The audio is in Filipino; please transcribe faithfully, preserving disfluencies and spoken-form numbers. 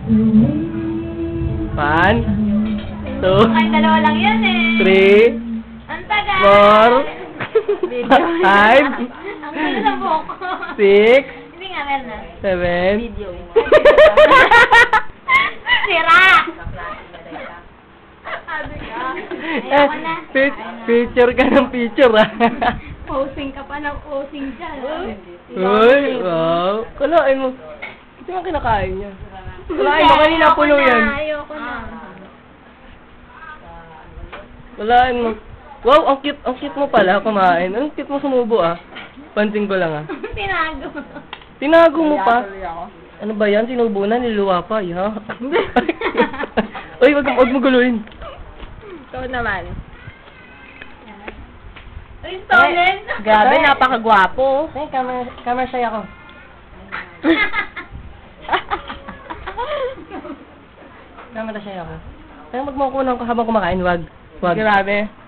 One, two, Ay, dalawa lang yan eh. three, Ang tagal. four, five, Ang gulo ng buhok ko. six, Hindi nga, meron na. seven, Video. Sira! Sabi ka. eh, Ayoko na. pi- picture ka ng picture ah. Posing ka pa ng posing dyan. Uy, wow. Kalain mo. Ito yung kinakain niya. Kalain mo, kanina Ayoko puno na, yan. Ayoko na. Kalain mo. Wow, ang cute, ang cute mo pala kumain. Ang cute mo sumubo ah. Pansin ko lang ah. Tinago. Tinago mo pa. Ano ba yan? Sinubo na, niluwa pa. Ya. Uy, wag, wag mo guluhin. Ikaw naman. Uy, stolen. Grabe, napakagwapo. Ay, camera, camera shy ako. Camera shy ako. Kaya magmukunan ko habang kumakain, wag. Wag. Grabe.